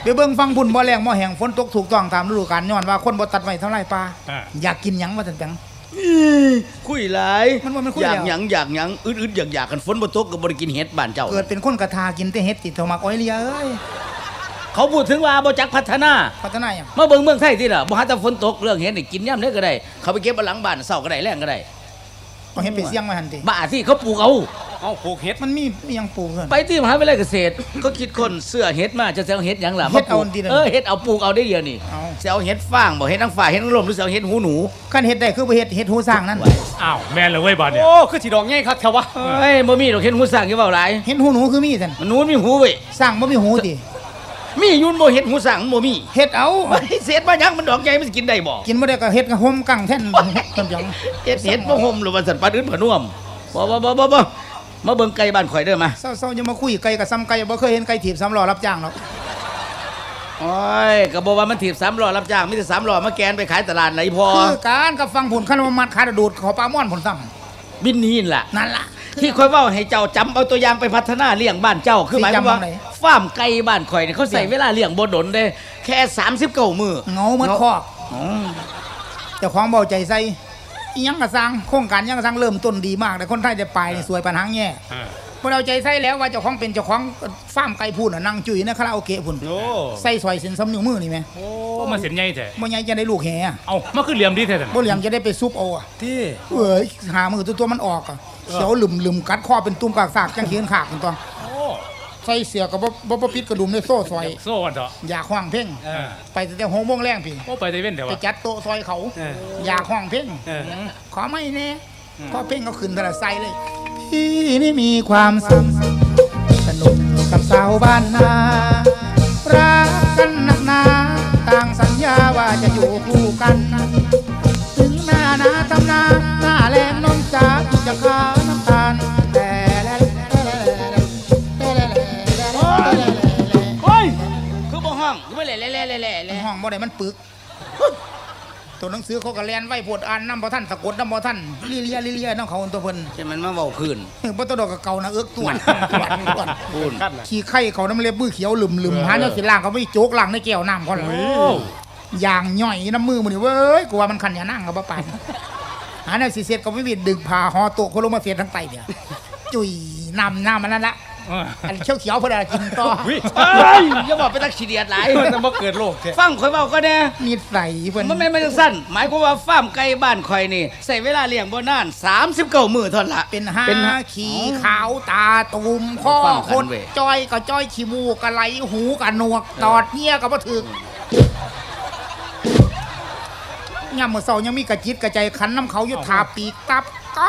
ไปเบิ่งฟังบุญบ่แรงบ่แห้งฝนตกถูกต้องตามฤดูกาลย้อนว่าคนบ่ตัดไม้ทำลายป่าอยากกินหยังว่าซั่นจังคุยหลายมันว่ามันคุยอยากแล้วหยังอึดๆอยากกันฝนบ่ตกก็บ่ได้กินเห็ดบ้านเจ้าเกิดเป็นคนกระทากินแต่เฮ็ดติดเท่ามักอ้อยเลียเอ้ยเขาพูดถึงว่าบ่จักพัฒนาพัฒนาหยังมาเบิ่งเมืองไทยสิล่ะบ่หาแต่ฝนตกเรื่องเห็ดนี่กินยามใดก็ได้เขาไปเก็บเอาหลังบ้านเช้าก็ได้แลงก็ได้เอาเฮ็ดไปเสี่ยงไว้หั่นติบ้าที่เขาปลูกเอาปลูกเห็ดมันมีหยังปลูกเพิ่นไปที่มหาวิทยาลัยเกษตรก็คิดคนเสื้อเห็ดมาจะเอาเห็ดหยังล่ะเฮ็ดเอามปลูกดีๆเฮ็ดเอาปลูกเอาได้เดียวนี่เอาสิเอาเห็ดฟางบ่เห็ดนางฟ้าเห็ดนางลมหรือสิเอาเห็ดหูหนูคันเฮ็ดได้คือบ่เฮ็ดหูสร้างนั่นอ้าวแม่นเลยเว้ยบาดเนี่ยโอ้คือสีดอกง่ายครับแถววะเฮ้ยบ่มีดอกเห็ดหูสร้างอยู่เว้าหลายเฮ็ดหูหนูคือมีซั่นมันหนูมีหูเว้ยสร้างบ่มีหูติมียุ่นบ่เห็ดหูสร้างมันบ่มีเฮ็ดเอาไอ้เศษมาหยังมันดอกใหญ่มันสิกินได้บ่กินบ่ได้ก็เฮ็ดกับห่มกังแท่นเพิ่นจังเห็ดบ่ห่มหรือว่าสัตว์ปลาอื่นผน่วมบ่มาเบิ่งไก่บ้านข่อยเด้อมาเศร้าๆอย่ามาคุยไก่กับซ้ำไก่บ่เคยเห็นไก่ถีบ3ล้อรับจ้างหรอกโอ้ยก็บ่ว่ามันถีบ3ล้อรับจ้างมีแต่3ล้อมาแกนไปขายตลาดไหนพอคือการกับฟังผลคันว่ามัดขาดดูดเขาปลาม่อนผลซ้ำบินนี่ล่ะนั่นล่ะที่ค่อยเว้าให้เจ้าจำเอาตัวอย่างไปพัฒนาเลี้ยงบ้านเจ้าคือหมายความว่าสิจำเอาไหนฟาร์มไก่บ้านข่อยเนี่ยเขาใส่เวลาเลี้ยงบ่ดนเด้แค่39มื้อเงาเหมือนคอกอ๋อเจ้าของเบาใจใส่อีหยังก็สร้างโครงการหยังก็สร้างเริ่มต้นดีมากแต่คนไทยจะไปนี่สวยปัญหาแย่พวกเราใจใส่แล้วว่าเจ้าของเป็นเจ้าของฟาร์มไก่พูนน่ะนั่งจุ๋ยในคาราโอเกะพุ่นโอ้ใส่ซอยเส้นซ้ำนิ้วมือนี่แม่โอ้มาเสียนใหญ่แท้บ่ใหญ่จะได้ลูกแห่อะเอามาคือเหลี่ยมดีแท้ท่านบ่เหลี่ยมจะได้ไปซุปเอาอะที่เอ้ยหามือตัวมันออกอะเขียวหลึมๆกัดคอเป็นตุ่มกากซากจังเขียนขากกันตัวโอ้ใส่เสียก็บ่ปิดกระดุมในโซ่ซอยโซ่กันเถอะอยากห้องเพ่งเออไปแต่6 โมงแรงพี่โอ้ไปได้เว้นแต่ไปว่าจัดโต๊ะซอยเขาเอออยากห้องเพ่งเออขอไม่แน่พอเพ่งก็ขึ้นแต่ละไซเลยพี่นี่มีความสุขสนุกกับสาวบ้านนารักกันนักหนาต่างสัญญาว่าจะอยู่คู่กัน ถึงหน้านาทำนาหน้าแรงน้องจ๋าจะขาวน้ำตาลแต่แล้วเฮ้ยคือบ่ห้องคือบ่แหล่ห้องบ่ได้มันปึกตัวหนังสือเขาก็แลนไว้ปวดอ่านน้ำบ่ท่านสะกดน้ำบ่ท่านลิเลียน้ำเขาตัวเพิ่นใช่มันมาเว้าพื้นบ่ตัวดอกกับเก่านะเอิกตัวพูนขั้นน่ะขี้ไข่เขาน้ำเล็บมือเขียวหลึมหาเจ้าสิล่างเขาไม่โจกล่างในแก้วน้ำเขาเลยโอ้อย่างย่อยน้ำมือมันนี่เว้ยกูว่ามันคันอย่านั่งกับบ่ปานหาแนวสิเสร็จก็ไม่มีดึงผ้าห่อโต๊ะเขาลงมาเสียทั้งไตเนี่ยจุยน้ำมันนั่นละเอออันเขียวๆเพิ่นกินต่อวิเฮ้ยอย่าบอกไปตักขี้เดียดหลายแต่บ่เกิดโรคแท้ฟังข่อยเว้าก็แน่นิสัยเพิ่นมันไม่จังสั้นหมายความว่าฟาร์มไก่บ้านข่อยนี่ใส่เวลาเลี้ยงบ่นาน39มื้อเท่านั้นละเป็นหาเป็นขี่ขาวตาตุ่มข้อฟังกันคดเว้ยจ้อยก็จ้อยขี้มูกก็ไหลหูก็หนวกตอดเงี้ยก็บ่ถึกยามมื้อเช้ายังมีกระจิตกระใจขันน้ำเขาอยู่ทาปีกตับก็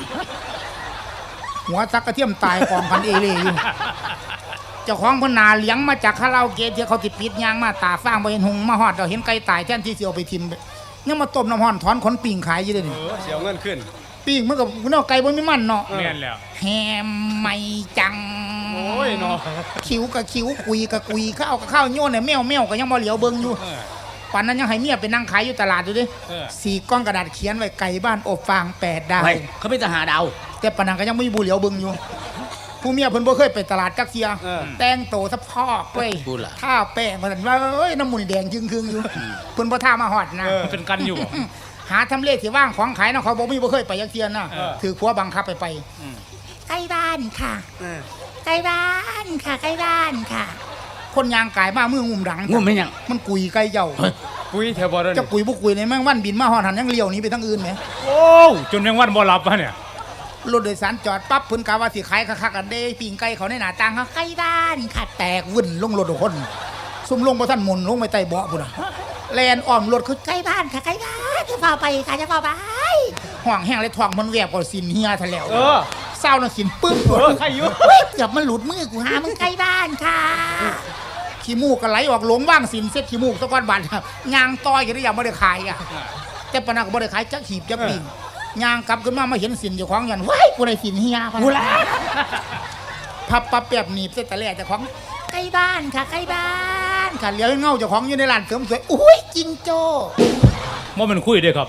หัวซักกระเทียมตายกองกันเอเล่อยู่เจ้าของเพิ่นนาเลี้ยงมาจากคาราโอเกะที่เขาติดปิดยางมาตาฟางบ่เห็นหงมาฮอดเราเห็นไก่ตายแทนที่สิเอาไปทิ่มยังมาต้มน้ำร้อนถอนขนปิ่งขายอยู่เด้อนี่เสียวเงินขึ้นปิ่งมันก็เนาะไก่บ่มีมันเนาะแม่นแล้วแฮมไม่จังโอ้ยเนาะคิ้วกับคิ้วคุยกับคุยข้าวกับข้าวโยนเนี่ยแมวก็ยังบ่เหลียวเบิ่งอยู่เออป่านนั้นยังให้เมียไปนั่งขายอยู่ตลาดอยู่ดิเออสี่ก้อนกระดาษเขียนไว้ไก่บ้านอบฟาง8 ดาวไว้เขาไม่ทหารดาวแต่ปานนั้นก็ยังไม่มีบุเหลียวเบิ่งอยู่ ผู้เมียเพิ่นบ่เคยไปตลาดจักเที่ยเออแต่งโตซะพอกเว้ยพูดล่ะท่าแป้งว่าซั่นว่าเอ้ยน้ำมูนี่แดงจึงครึ่งอยู่เพิ่นบ่ท่ามาฮอดนะมันเป็นกันอยู่บ่หาทำเลที่ว่างของขายเนาะเขาบ่มีบ่เคยไปจักเที่ยนะเออถือขัวบังคับไปอืมใกล้บ้านค่ะเออใกล้บ้านค่ะใกล้บ้านค่ะ คนยางกายมามืองุ่มดังงุ่มเป็นหยังมันกุยไก่เจ้าปุ้ยแถวบ่ได้จะกุยบุกุยในแมงวันบินมาหอดหันยังเลี้ยวหนี้ไปทั้งอื่นไหมโอ้จนแมงวันบ่หลับวะเนี่ยรถโดยสารจอดปั๊บเพิ่นกะว่าสิขายคักๆกันเด้ปิ่งไก่เขาในหน้าต่างเขาใกล้บ้านค่ะแตกวุ่นลงรถทุกคนซุ่มลงบ่ทันหมุนลงไปใต้เบาะพุ่นน่ะแลนอ้อมรถคือใกล้บ้านค่ะใกล้บ้านจะพาไปค่ะจะพาไปห่วงแห้งเลยท้องมันแวบก็สินเฮียทะแล้วเออเศร้าน่ะสินปึ๊บใครอยู่เฮ้ยเกือบมันหลุดมือกูหามึงใกล้บ้านค่ะขี้มูกก็ไหลออกหลงว่างสินเซ็ตขี้มูกตะก้อนบาดยางต้อยก็ได้ยังบ่ได้ขายอ่ะ แต่ปานนักบ่ได้ขายจักหีบจักปิ่งย่างกลับขึ้นมาเห็นสินเจ้าของยันว้ายกูได้สินเฮียกูละพับปั๊บแป๊บหนีบเส้นตะแล่เจ้าของใกล้บ้านค่ะใกล้บ้านค่ะเลี้ยวเงาเจ้าของอยู่ในร้านเสริมสวยอุ้ยจิงโจ้ว่ามันคุยเด้อครับ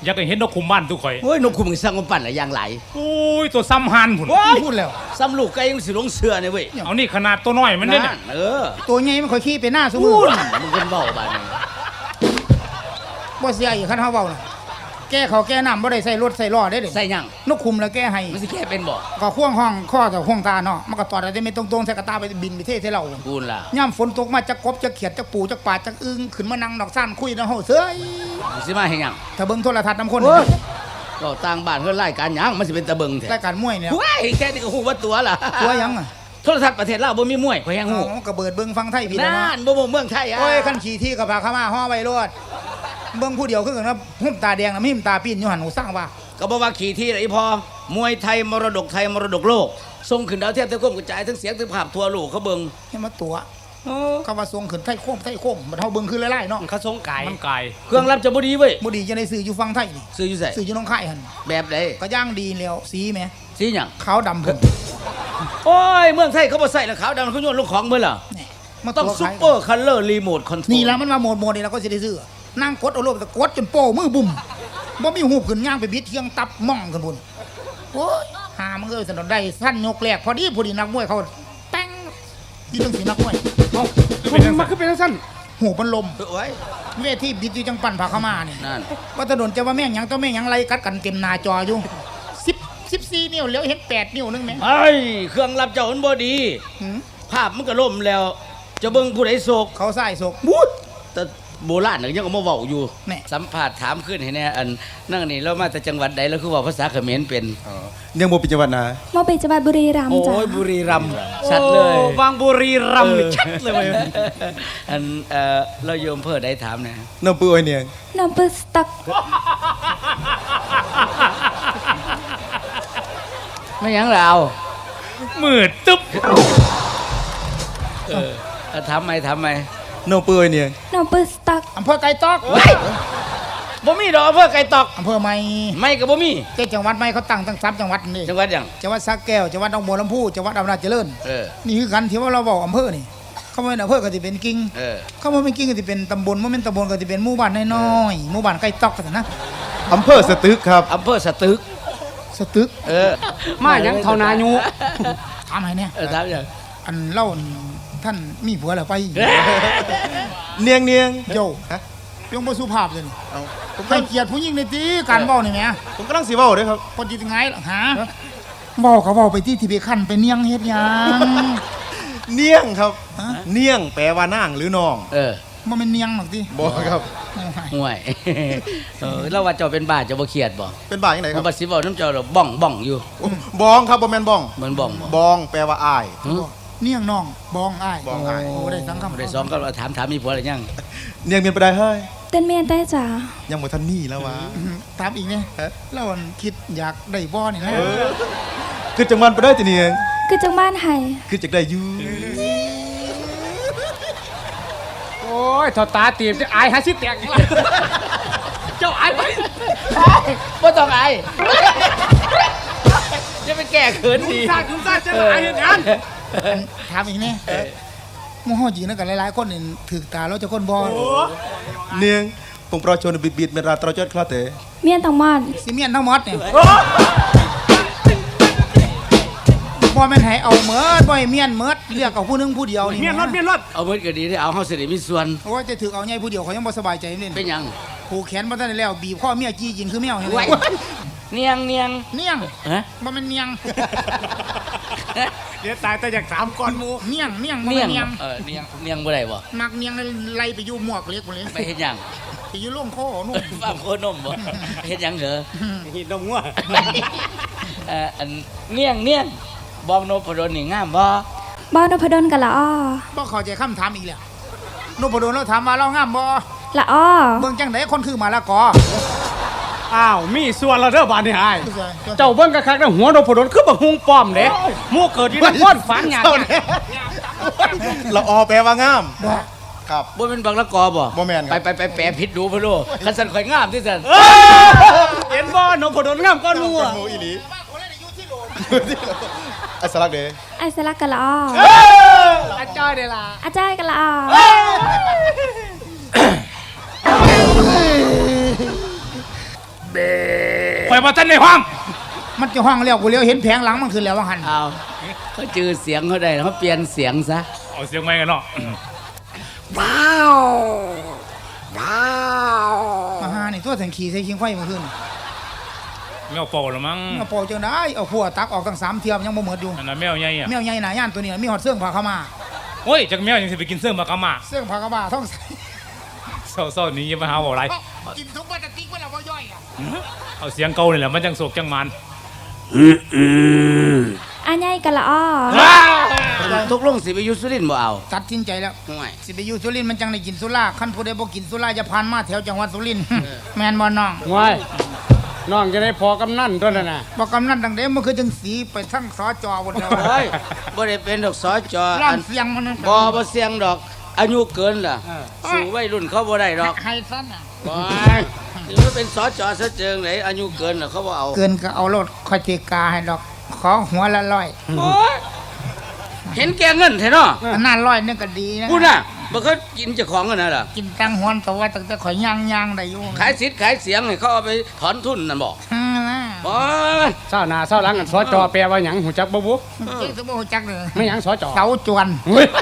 อยากให้เห็นนกคุมบ้านทุกข่อยโอ้ยนกคุมมันสร้างมันปั่นหลายอย่างหลายโอ้ยตัวซ้ำหันพุ่นพูดแล้วซ้ำลูกไก่ยังสิลงเสือเนี่ยเว้ยเอานี่ขนาดตัวน้อยมันเนี่ยนั่นตัวใหญ่มันค่อยขี้ไปหน้าสมุพูนดมึงเป็นเบาบ้านนี้บ่เสียอีกคันเฮาเว้าน่ะแก้เขาวแก้น้ำบ่ได้ใส่รถใส่ล้อได้เด้ใส่หยังนกคุมแล้วแก้ให้มันสิแค่เป็นบ่ก็ข่วงห้องข้อกับข่วงตาเนาะมันก็ตอดได้ไม่ตรงๆใส่กระตาไปบินไปเทใส่เราพูดล่ะย่ำฝนตกมาจะกบจะเขียดจะปูจะปาดจะอึ้งขึ้นมานั่งดอกซ่านคุยนะเฮาเซ้ยมึงสิมาให้หยังถ้าเบิ่งโทรทัศน์น้ำคนโอ้ยก็ต่างบ้านเพื่อนไล่การหยังมันสิเป็นตะเบิงแท้รายการมวยเนี่ยว้ายแค่นี้ก็ฮู้ว่าตัวล่ะตัวหยังอ่ะโทรทัศน์ประเทศลาวบ่มีมวยข่อยแฮงฮู้อ๋อก็เบิดเบิ่งฟังไทยพี่แล้วนั่เนาะนบ่เมืองไทยอ่ะโอ้ยคันขี่ที่กับพาเข้ามาห่อไว้รถเบิ่งผู้เดียวคือกันนะหุ่มตาแดงนะมีหุ่มตาปีนอยู่หันหูสร้างว่าก็บอกว่าขี่ที่ไหนพอมวยไทยมรดกไทยมรดกโลกส่งขึ้นดาวเทียมทั้งก้มกระจายทั้งเสียงทั้งภาพทั่วโลกเขาเบิ่งให้มาตัวคำว่าทรงขึ้นไทยโค้มมันเฮาเบิ่งคือไล่ๆเนาะเขาสงไก่มันไก่เครื่องรับจะบ่ดีเว้ยบ่ดีจะได้ซื้ออยู่ฟังไทยนี่ซื้ออยู่ไสซื้ออยู่หน้องค่ายหั่นแบบใดก็ย่างดีแล้วสีแหมสีหยังขาวดำเพิ่นโอ้ยเมืองไทยเขาบ่ใส่แล้วขาวดำเขาโยนลงของเบิ่ล่ะแหน่มาต้องตัวซุปขายเปอร์คัลเลอร์รีโมทคอนโทรลนี่ละมันมาโหมดนี่เราก็สิได้ซื้อนั่งกดเอาโลดแต่กดจนโป้มือบุ่มบ่มีหูบขึ้นย่างไปบิดเทียงตับม่องกันพุ่นโอ้ยหามันเอ้ยสนดได้สั้นยกแรกพอดีนักมวยเขาแป้งที่ต้องสินักมวยเอ้ามันคือเป็นจังซั่นหูมันลมโอ้ยเวทีบิดอยู่จังปั่นผาเข้ามาเนี่ยนั่นว่าถนนจะว่าแม่งหยังต้องแม่งหยังไรกัดกันเต็มหน้าจออยู่14 นิ้วแล้วเห็น8 นิ้วนึงแหมไอ้ยเครื่องรับเจ้ามันบ่ดีหืมภาพมันก็ล่มแล้ว จะเบิ่งผู้ใดโศกเขาใส่ศกบูดแต่โบราณน่ะยังเอามาเว้าอยู่แน่สัมภาษณ์ถามขึ้นให้แน่อันนั่งนี่เรามาจากจังหวัดใดแล้วคือเว่าภาษาเขมรเป็นยังบ่เป็นจังหวัดนะมาเป็นจังหวัดบุรีรัมย์โอ้จ้ะยบุรีรัมย์ชัดเลยวางบุรีรัมย์นี่ชัดเลยเว้ยอันเราโยมเพื่อได้ถามนะน้ำปื้อไอ้เนียงน้ำเปิดสตักไม่หยังเรามืดตึ๊บถามไหมน้ำปื้อไอ้เนียงน้ำเปิดสตักอำเภอไก่ตอกบ่มีดอกเพื่อไก่ตอกอำเภอใหม่ไม่กับบ่มีเจ็ดจังหวัดใหม่เขาตั้งทั้ง3จังหวัดนี่จังหวัดหยังจังหวัดสระแก้วจังหวัดหนองบัวลำพูจังหวัดอำนาจเจริญเออนี่คือกันที่ว่าเราบอกอำเภอนี่เขาไม่เป็นอำเภอก็จะเป็นกิ่งเออเขาไม่เป็นกิ่งก็จะเป็นตำบลไม่เป็นตำบลก็จะเป็นหมู่บ้านน้อยๆหมู่บ้านใกล้ตอกกันนะอำเภอสตึกครับอำเภอสตึกสตึกเออมาหยังเท่านายุถามให้เนี่ยถามหยังอันเล่าท่านมีผัวแล้วไปเนียงเนียงโยฮะยงบ่สุภาพเลยนี่เอาผมให้เกียรติผู้หญิงในตีการเว้านี่แหมผมกำลังสิเว้าเด้อครับคนจิตไงล่ะหาเว้าก็เว้าไปที่ไปคั่นไปเนียงเฮ็ดหยังเนียงครับฮะเนียงแปลว่านางหรือน้องเออบ่แม่นเนียงหรอกติบ่ครับห่วย เราว่าเจ้าเป็นบ้าเจ้าบ่เครียดบ่เป็นบ่าจังไดคมัรันบบัดสิเว้าน้ำเจ้าเราบ้องอยู่บองครับบ่แม่นบ้องเหมือนบ้องบ่บองแปลว่าอายหึเนียงน้องบองอ้ายบองอ้ายโอ้ได้สังคำบ่ได้สองก็ถามมีผัวหรือยังเนียงเมียนไปได้เฮ้ยเต้นเมียนได้จ้ะยังบ่ทันมีแล้ววะถามอีกเนี่ยฮะแล้วอันคิดอยากได้บ่นี่นะคือจังหวัดไปได้ติเนียงคือจังบ้านไห้คือจักได้อยู่โอ้ยเท่าตาตีบจะอายหาสิแตกอีกแล้วเจ้าอายไปบ่ต้องอายจะไปแก้เขินดีคุณซ่าจะอายเห็นงานถามอีกเนี่ยหมู่เฮาจริงนะกันหลายๆคนนี่ถึกตาแล้วจะคนบ่เนียงปงประชนบิดเมนราตรจอดคลาเตเมียนต่างมอดสิเมียนทั้งหมดเนี่ยบ่แม่นให้เอาเมิดบ่ให้เมียนเมิดเลือกเอาผู้หนึงผู้เดียวนี่เมียนรถเมียนรถเอาเบิดก็ดีได้เอาเฮาสิได้มีส่วนโอ้ยจะถึกเอาใหญ่ผู้เดียวเขายังบ่สบายใจนี่เป็นหยังผูกแขนบ่ทันได้แล้วบีบข้อเมียจี้กินคือแมวนี่ไว้เนียงเนียงฮะบ่แม่นเนียงเดี๋ยวตายแต่อยากถามก่อนหมูเนียงบ่เนียแม่งนเนียงเนียงบ่ได้บ่มักเนียงไล่ไปอยู่หมวกเล็กหมดเลยไปเฮ็ดหยังไปอยู่โรงคอนู่นฟาร์มโคนมบ่เฮ็ดหยังเหรอหินนมงัวอันเนียงบองโนพดลนี่งามบ่บ้านนพดลกับละอ้อบ่เข้าใจคำถามอีกแล้วนพดลเราถามมาเรางามบ่ละอ้อเบิ่งจังไดคนคือมาละกออ้าวมีส่วนเราเด้อบานนี่อายเจ้าเจ้าเบิ่งกะคักๆนะหัวโดนผดลคือบักฮุงป้อมเด้หมู่เกิดอยู่นครฝันหยาดเจ้าเนี่ยละออแปลว่างามบ่ครับบ่เป็นบักละกอบ่บ่แม่นครับไปแปลผิดดูพ่อโลคันสันข่อยงามที่สันเห็นบ่นมผดลงามก็นัวหมูอีหลีอัสลักเด้ไอสลักกับละอ้ออาจารย์เด้ล่ะอาจารย์กับละอ้อเบ้ไปบ่ทันในห้องมันจะห้องเลี้ยวกูเลี้ยวเห็นแผงหลังมันขึ้นแล้วว่าหันเอาเขาจือเสียงเขาได้เขาเปลี่ยนเสียงซะเอาเสียงใหม่กันเนาะว้าวว้าวมาหานี่ตัวแสงขี่ใส่ชิงไฟมาขึ้นแมวเป่าละมั้งเอาปอจังได้เอาขัวตักออกตั้ง3เทียมยังบ่หมดอยู่อันนั้นแมวใหญ่อะแมวใหญ่หนาย่านตัวนี้มีหอดเสื้องผ้าขาวมาโอ้ยจักแมวยังสิไปกินเสื้อมากะมาเสื้องผ้าขาวมาท้องใส่เศร้าๆนี้อย่ามาหาเว้าไรกินทุกวันจะติ๊กเวลาบ่ย่อยอ่ะเอาเสียงเก่านี่แหละมันจังโศกจังมันอาใหญ่กะละอ้อทุกลงสิไปอยุสุรินทร์บ่เอาตัดสินใจแล้วห่วยสิไปอยู่สุรินทร์มันจังได้กินสุราคันผู้ใดบ่กินสุราจะผ่านมาแถวจังหวัดสุรินทร์ แม่นบ่น้องว้ายน้องจะได้พอกำนันตัวนั้นน่ะบ่กำนันดังเด้มันคือจังสีไปทั้งสจบนแล้วเฮ้ยบ่ได้เป็นดอกสอจอร้าอันนเสียงมันนั่นบ่เสียงดอกอายุเกินล่ะสู่วัยรุ่นเขาบ่ได้ดอกให้สั้นอ่ะบ่ถือว่าเป็นสอจอซะเจิงไหนอายุเกินล่ะเขาบ่เอาเกินก็เอารถคอยเตกาให้ดอกขอหัวละร้อยโอ้ยเห็นแกเงินแท้เนาะอันนั้นร้อยนึงก็ดีนะพูดน่ะบ่เคยกินเจ้าของกันน่ะล่ะกินตังหวนแต่ว่าตั้งแต่ข่อยย่างได้อยู่ขายสิทธิ์ขายเสียงให้เขาเอาไปถอนทุนนั่นบ่อืมนะบ่เศร้าหน้าเศร้าหลังกันสจแปลว่าหยังหูจักบ่บุเจ๊สมบูรณ์จักเลยไม่หยังสจเสาจวนเฮ้ย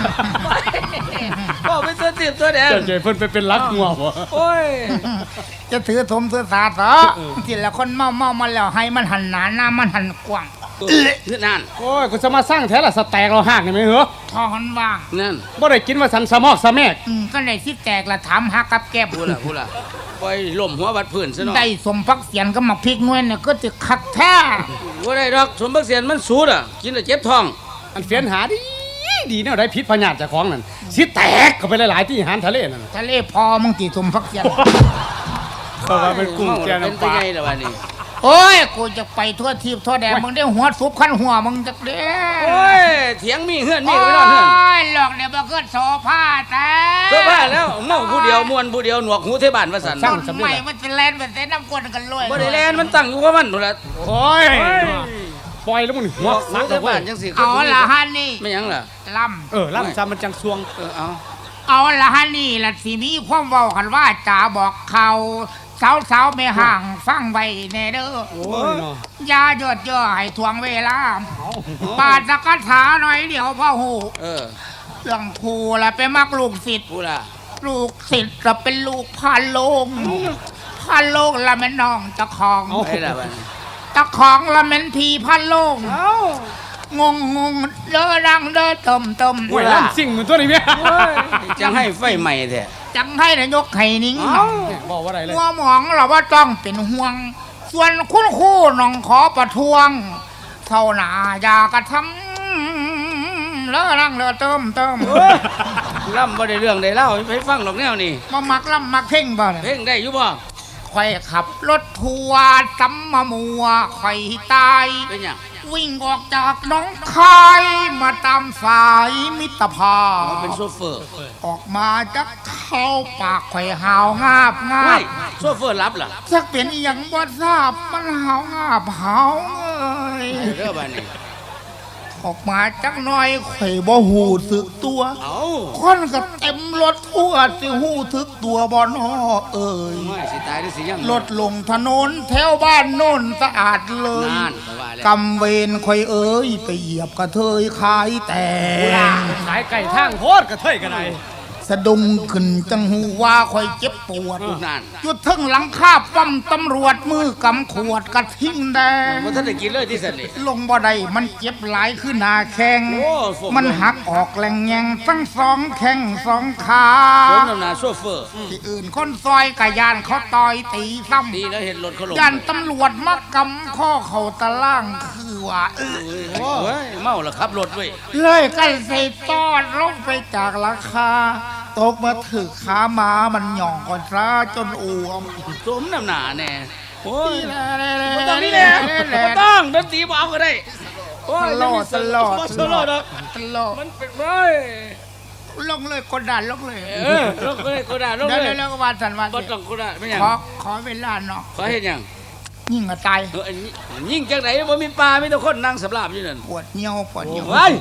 บ่เป็นตัวติดตัวแดงเจ้าเจเพิ่นไปเป็นรักงัวบ่โอ้ยจะถือสมถือสาเถอะที่ละคนเมามาแล้วให้มันหันหนาหน้ามันหันกว้างนั่นโอ้ยกูจะมาสร้างแท้ละสแต็กเราหากนี่ไหมเหรอทอหันว่างนั่นบ่ได้กินว่าสันสะมอกสะแมกก็เลยสิแตกละถามหากับแก้บพูดล่ะปล่อยล่มหัวบัดพื้นซะเนาะได้สมพักเสียนก็มาพริกนวลเนี่ยก็จะคักแท้บ่ได้ดอกสมบักเสียนมันสูดอ่ะกินแล้วเจ็บท้องอันเฟียนหาดีแนวได้พิษพญาติเจ้าของนั่นสิแตกเข้าไปหลายๆที่อาหารทะเลนั่นน่ะทะเลพอมึงตีสมพักเสียนเพราะว่าเป็นกุ้งแกเป็นน้ำปตัวลาใหญ่แล้ววันนี้โอ้ยกูจะไปทั่วทีบทั่วแดนมึงได้หัวซุปขั้นหัวมึงจักเด้โอ้ยเถียงมีเฮือนมีโอ้ไว้นอนเฮือนยหลอกเดี๋ยวมาเกิดโซฟาแต่เสื้อผ้าแล้วเมาผู้เดียวมวนผู้เดียวหนวกหูเทบานว่าซั่นต้นใหม่มันจะแลนเป็นเส้นน้ำกวนกันเลยบ่ได้แลนมันตั้งอยู่กับมันนู่นล่ะโอ้ยปล่อยแล้วมึงหัวหูสักเทแล้วเว้บาย นจังสิเอาละฮันนี่ไม่หยังล่ะลล่ำซ้ำมันจังซวงเอาำเอาละฮันนี่ละสิมีความเว้ากันว่าจ่าบอกเขาสาวไม่ห่างฟังไว้แน่เด้อโอ้ยเนาะอยาหยดย่อให้ทวงเวลาปาดสกัดถาหน่อยเดี๋ยวพ่อหูเออเรื่องครูละไปมักลูกศิษย์ผู้ล่ะลูกศิษย์ละเป็นลูกพันโลงพันโลงละแม่น้องตะของไปล่ะบัดนี้ตะของละแม่นพีพันโลงงเด้อดังเด้อต้มโอ้ยล่ำสิ่งเหมือนตัวนี้แม่จังให้ไฟใหม่แท้จังให้นายกไข่นิ้งบอกว่าอะไรเลยหัวหมองเราว่าต้องเป็นห่วง ส่วนคุณครู่น้องขอประท้วง เท่าหนาอย่ากระทำเด้อดังเด้อเติมล่ำบ่ได้เรื่องได้เล่าไปฟังดอกแนวนี่มามักล่ำมักเพ่งบ่เนี่ยเพลงได้อยู่บ่ข่อยขับรถทัวร์ซ้ำมามัวข่อยตายเป็นหยังวิ่งออกจากหน้องคายมาตามสายมิตรภาพมันเป็นโซเฟอร์ออกมาจากเข้าปากข่อยหาวงาบไม่โซเฟอร์รับล่ะสักเป็นอหย่างบ่ทราบมันหาวงาบหาวเอ้ยเด้อบัดนี้ออกมาจักหน่อยข่อยบ่หูสึกตัวเอาคนก็เต็มรถทั่วสิหูทึกตัวบ่นอเอ้ยไม่สิตายหรือสิยังรถลงถนนแถวบ้านโน่นสะอาดเลยนานไปว่าแล้วกำเวรข่อยเอ้ยไปเหยียบกระเทยขายแต่งขายไก่ทางโคตรกระเทยกันไดสะดุ้งขึ้นจังหูว่าข่อยเจ็บปวดนานจุดทึ่งหลังคาป้อมตำรวจมือกำขวดกระทิ้งแดงบ่ทันได้กินเลยที่สันนี่ลงบ่ได้มันเจ็บหลายขึ้นหนาแข้งโอ้ฝนมันหักออกแหลงแยงทั้งสองแข้งสองขาสมน้ำหน้าโซเฟอร์ที่อื่นคนซอยกะยานเขาต่อยตีซ้ดีแล้วเห็นรถเขาลงำยานตำรวจมากำข้อเขาตะล่างคือว่าโอ้ยเมาแล้วขับรถเว้ยเลยกันใส่ตอดลงไปจากราคา ตกมาถึกขาหมามันหย่องก่อนซะจนอ้วมสมน้ำหน้าแน่โอ้ยบ่บ่ต้องนี่แหละบ่ต้องดนตรีบ่เอาก็ได้โอ้ยตลอดบ่ตลอดดอกตลอดมันเป็นเว้ยลงเลยกดดันลงเลยลงเลยก็ได้ลงเดี๋ยวเลยแล้วก็วันสันวันบ่ต้องก็ได้ไม่หยังขอเวลาเนาะขอเฮ็ดหยังยิ่งกระตายอันนี้ยิ่งจังไหนบ่มีปลามีแต่คนนั่งสำราบอยู่นั่นปวดเหี่ยวโอ้ย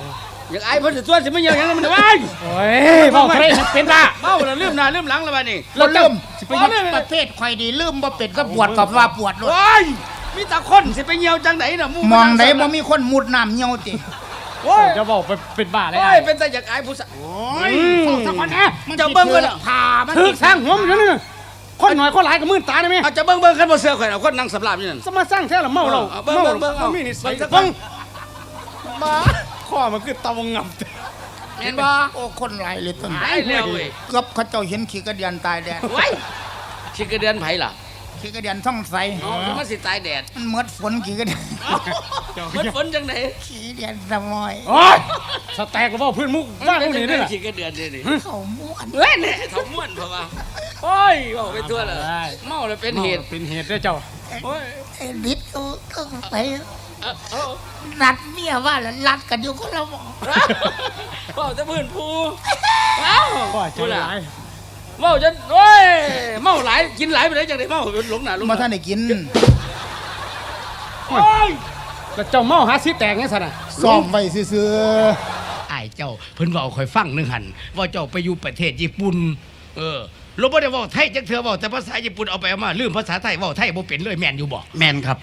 อยากอายเพิ่นสิตัวสิไม่เหี่ยวหยังมันไว้โอ้ยเว้าเทะเป็นบ้าเมาแล้วลืมหน้าลืมหลังแล้วบัดนี้เราลืมสิไปไปประเภทข่อยดีลืมบ่เป็ดก็ปวดกับว่าปวดเลยโอ้ยมีแต่คนสิไปเหี่ยวจังไหนน่ะหมองไหนบ่มีคนมุดน้ำเหี่ยวติโอ้ยจะบอกไปเป็นบ้าเลยโอ้ไอ้ยเป็นแต่อยากอายผู้สาวโอ้ยสักวันนะเจ้าเบิ่งเพิ่นอะพามันถึกสร้างหัวมันอยู่นี่คนหน่อยคนหลายก็มื่นตาได้ไหมเอาจะเบิ่งคันบ่เสือข่อยเอาคนนั่งสำราบอยู่นั่นสมาสร้างแท้ละเมาเราเบิ่งเมาเบิ่งเรามีนิสัยเบิ่งเบิ่งมาข้อมันคือตะวงงับแม่นบ่โอ้คนหลายเลยต้นตายแล้วเว้ยเกือบเขาเจ้าเห็นขี้กระเดียนตายแดดไว้สิกระเดือนไผล่ะขี้กระเดียนท่องใสเอามันสิตายแดดมันหมดฝนขี้กระเดียนมันฝนจังไหนขี้เดียนสมอยโอ้ยสแต็กก็บอกเพื่อนมุกว่างพวกนี้ด้วยล่ะสิกระเดือนนี่เขาม้วนเอ้ยเนี่ยทำม่วนเพราะว่าโอ้ยบอกไปทั่วเลยเมาแล้วเป็นเหตุเป็นเหตุด้วยเจ้าโอ้ยไอ้ลิศก็ไปเอานัดเมียว่าแล้วรัดกันอยู่คนละหมอเมาจะพื้นภูเอ้าก็ใจร้ายเมาจนโอ้ยเมาหลายกินหลายไปเลยจังไดเมาหลงหน้าหลงมาท่านได้กินโอ้ยแล้วเจ้าเมาหาสิแตกไงสันน่ะซ้อมไว้ซื่อไอ้เจ้าเพิ่นเว้าค่อยฟังนึงหันว่าเจ้าไปอยู่ประเทศญี่ปุ่นลบบ่ได้เว้าไทยจักเทื่อเว้าแต่ภาษาญี่ปุ่นเอาไปเอามาลืมภาษาไทยเว้าไทยบ่เป็นเลยแม่นอยู่บ่แมนครับ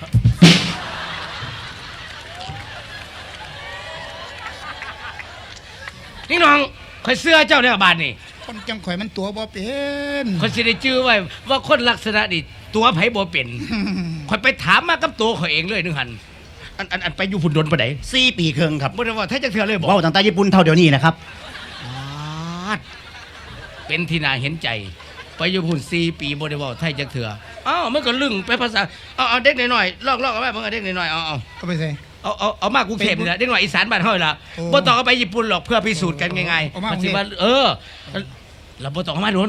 นี่น้องข่อยเสื้อเจ้าเนี่ยบาดนี่ๆคนจังข่อยมันตัวบ่เป็นข่อยสิได้จื้อไว้ว่าคนลักษณะนี่ตัวไผบ่เป็นข่อยไปถามมากับตัวข่อยเองเลยนึงหันอันไปอยู่พุ่นดนปานใด 4 ปีครึ่งครับบ่ได้ว่าไทยจักเทื่อเลยบ่เว้าตั้งแต่ญี่ปุ่นเท่าเดี๋ยวนี้นะครับเป็นที่น่าเห็นใจ ไปอยู่พุ่น4 ปีบ่ได้เว้าไทยจักเทื่ออ้าวมันก็ลึงไปภาษาเอาเด็กน้อยๆลอกๆเอาไว้เบิ่งเอาเด็กน้อยๆเอาก็ไปใส่เอามากรุงเทพนี่แหละเด็กน้อยอีสานบ้านเฮานี่ล่ะโอ้บ่ต้องเอาไปญี่ปุ่นหรอกเพื่อพิสูจน์กันง่ายเอามาๆกรุงเทพว่าเราบ่ต้องเอามาโดน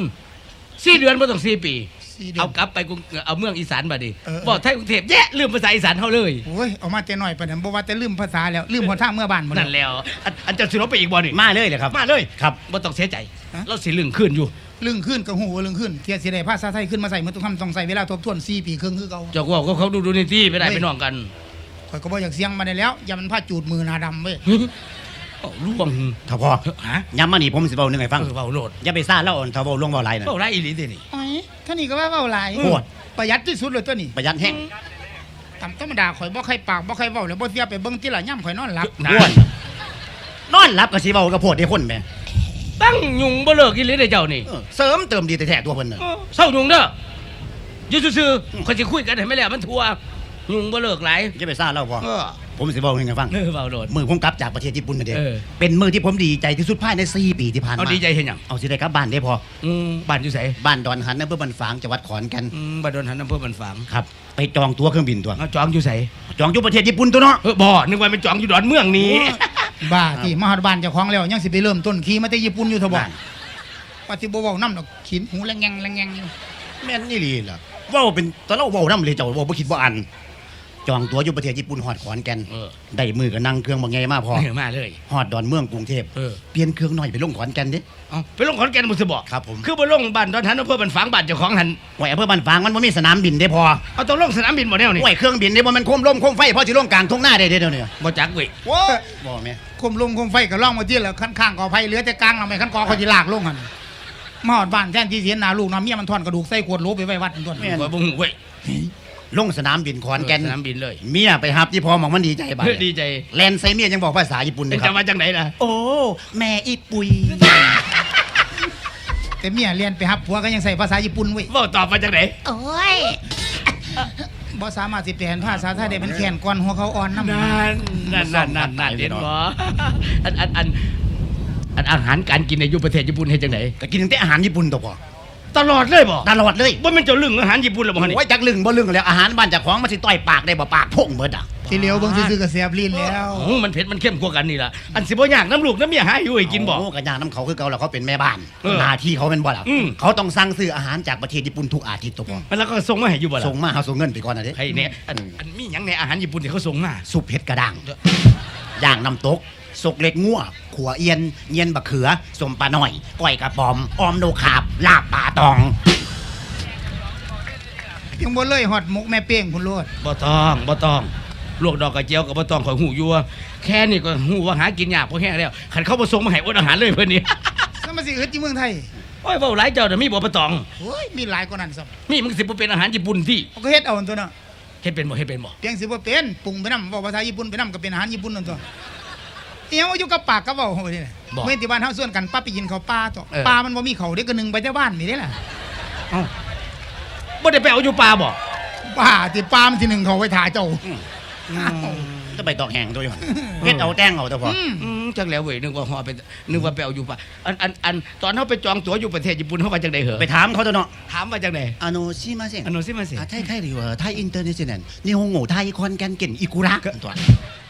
4 เดือนบ่ต้อง4 ปี 4 เดือนเอากลับไปกรุงเอาเมืองอีสานบัดนี้เออบอกไทยกรุงเทพแย่ลืมภาษาอีสานเฮาเลยโอ้ยเอามาแต่น้อยปานนั้นบ่ว่าแต่ลืมภาษาแล้วลืมหนทางเมื่อบ้านบ่นั่นแล้วอันจะสิลบไปอีกบ่นี่มาเลยเลยครับมาเลยครับบ่ต้องเสียใจฮะเราสิลึงขึ้นอยู่ลึงขึ้นก็ฮู้ว่าลึงขึ้นเที่ยสิได้ภาษาไทยขึ้นมาใส่มันต้องใส่เวลาทบทวน4 ปีครึ่งคือเก่าเจ้าว่าเขาดูในที่ไปได้เฮ้ยไปน้องกันข่อยก็บ่อยากเสียงมาได้แล้วอย่ามันพาจูดมือหน้าดำเว้ยเอาล่วงถ้าพอฮะย้ำมานี่ผมสิเว้าหนึงให้ฟังเว้าโลดอย่าไปซ่าเล่าอ่อนถ้าเว้าล่วงเว้าหลายน่ะเว้าไรอีหลีเด้นี่โอ้ยท่านี่ก็ว่าเว้าหลายโคตรประหยัดที่สุดเลยตัวนี้ประหยัดแห้งตามธรรมดาข่อยบ่ใครปากบ่ใครเว้าแล้วบ่เสียไปเบิ่งที่ละย่ำข่อยนอนหลับนะอ้วนนอนหลับก็สิเว้ากับโพดได้คนแหม่ตั้งยุงบ่เลิกอีหลีเด้เจ้านี่เสริมเติมดีแต่แท้ตัวเพิ่นน่ะเศร้ายุงเด้ออยู่ซื่อๆเขาสิคุยกันให้ไม่แล้วมันทัวยุงบ่เลิกหลายอย่าไปซ่าเล่าพอเออผมสิเว้าให้ฟังเว้าโลดมือผมกลับจากประเทศญี่ปุ่นน่ะเด้เออเป็นมือที่ผมดีใจที่สุดภายใน4 ปีที่ผ่านเอามาดีใจเห็นหยังเอาสิได้กลับบ้านได้พอบ้านอยู่ไสบ้านดอนหันอำเภอบันฝางจังหวัดขอนแก่นบ้านดอนหันอำเภอบันฝางครับ ไปจองตั๋วเครื่องบินตัวเอาจองอยู่ไสจองอยู่ประเทศญี่ปุ่นตัวเนาะบ่นึกว่าเป็นจองอยู่ดอนเมืองนี้บ้าที่มาฮอดบ้านเจ้าของแล้วยังสิไปเริ่มต้นขี่มาแต่ญี่ปุ่นอยู่เถอะบ่นั่นว่าสิบ่เว้านำดอกขินหูแลงแงงแลงแงงอยู่แม่นนี่ลีล่ะเว้าเป็นตอนเราเว้านำเลยเจ้าเว้าบ่คิดบ่อันจองตั๋วอยู่ประเทศญี่ปุ่นฮอดขอนแก่นเออได้มือก็นั่งเครื่องบ่ใหญ่มาพอมาเลยฮอดดอนเมืองกรุงเทพเออเปลี่ยนเครื่องหน่อยไปลงขอนแก่นเด้เอาไปลงขอนแก่นบ่สิบอกครับผมคือบ่ลงบ้านดอนหันอำเภอบันฝางบ้านเจ้าของหันไว้อำเภอบ้านฝางมันบ่มีสนามบินได้พอเอาต้องลงสนามบินบ่แนวนี่ไว้เครื่องบินได้บ่มันโคมลมโคมไฟพอสิลงกลางทุ่งนาได้เด้เดี๋ยวนี้บ่จักเว้ยว้าบ่แม่คมลงคมไฟก็ล่องมาที่แล้วคันข้างกอไผเหลือแต่กลางแล้วไม่คันกอเขาสิลากลงหั่นมาฮอดบ้านแทนที่สิเห็นหน้าลูกน้าเมียมันทอนกระดูกใส่ขวดโหลไปไว้วัดนั่นตัวแม่นบ่ฮู้เว้ยลงสนามบินขอนแก่นสนามบินเลยเมียไปหับที่พอหมองมันดีใจบัดดีใจแลนใส่เมียยังบอกภาษาญี่ปุ่นเลยคจะรับมาจากไหนล่ะโอ้แม่อีปุยแต่เมียเรียนไปฮับผัวก็ยังใส่ภาษาญี่ปุ่นเว้ยเว้าตอบมาจากไหนโอ้ยบ่สามารถสิแปลเป็นภาษาไทยได้มันแขนก่อนหัวเขาอ่อนนำนั่นเห็นบ่อันอาหารการกินในยุคประเทศญี่ปุ่นเฮ็ดจังไดก็กินตั้งแต่อาหารญี่ปุ่นตัวพอตลอดเลยบ่ตลอดเลยบ่แม่นเจ้าลึงอาหารญี่ปุ่นหรอบ่ฮะนี่ไว้จักลึงบ่ลึงแล้วอาหารบ้านเจากของมันสิต่อยปากได้บ่ปากพ่งเบิดอ่ะที่เหลียวเบิ่งซื่อๆก็แซ่บลิ้นแล้วโอ้มันเผ็ดมันเข้มกว่ากันนี่ล่ะอันสิบ่ยากน้ำลูกน้ำเมียหาอยู่ให้กินบ่โอ้กระยางน้ำเขาคือเก่าแล้วเขาเป็นแม่บ้านเออหน้าที่เขาเป็นบ่ล่ะอืมเขาต้องสั่งซื้ออาหารจากประเทศญี่ปุ่นทุกอาทิตย์ตัวพอมันแล้วก็ส่งมาให้อยู่บ่ล่ะส่งมาเฮาส่งเงินไปก่อนนะเด้ให้เนี่ยอันมีหยังในอาหารญี่ปุ่นที่เขาส่งมาซุปเผ็ดกระด้างย่างน้ำตกสกเล็กงัวขัวเอียนเงียนบะเขือสมปลาหน่อยก้อยกระป๋อมออมโนขาบลาบปลาตองยังบ่เลยฮอดมุกแม่เป้งพุ่นโลดบ่ต้องลวกดอกกระเจียวกับบ่ต้องข่อยหูอยู่ว่าแค่นี้ก็หูว่าหากินยากพอแห้งแล้วคันเขาบ่ส่งมาให้อดอาหารเลยเพิ่นนี่แล้วมาสิเฮ็ดที่เมืองไทยโอ้ยเว้าหลายเจ้าน่ะมีบ่ปะตองโอ้ยมีหลายกว่านั้นซ้มีมึงสิบ่เป็นอาหารญี่ปุ่นที่ำก็เฮ็ดเอาอันตัวเนาะเฮ็ดเป็นบ่เฮ็ดเป็นบ่เพียงสิบ่เป็นปรุงไปนำเว้าภาษาญี่ปุ่นไปนำก็เป็นอาหารญี่ปุ่นนั่นตัวเอียงอยู่กับปากกับเว้าเฮานี่แหละเมื่อที่บ้านเฮาส่วนกันปั๊บไปกินข้าวปลาตัวปลามันบ่มีเขาเด้ก็นึ่งไปแต่บ้านนี่เด้ล่ะเอ้าบ่ได้ไปเอาอยู่ป่าบ่ป้าที่ปลามันสินึ่งเขาไว้ถ่าเจ้าจะไปตอกแหงตัวอยู่หั่นเฮ็ดเอาแต้งเอาแต่พอจักแล้วเว้ยนึกว่าฮอไปนึกว่าไปเอาอยู่ป่าอันตอนเฮาไปจองตั๋วอยู่ประเทศญี่ปุ่นเฮาว่าจังได๋เหรอไปถามเขาตัวเนาะถามว่าจังได๋すいませんすいませんタイタイではタイインターネショナル日本語タイコンキャンケンイクラตัว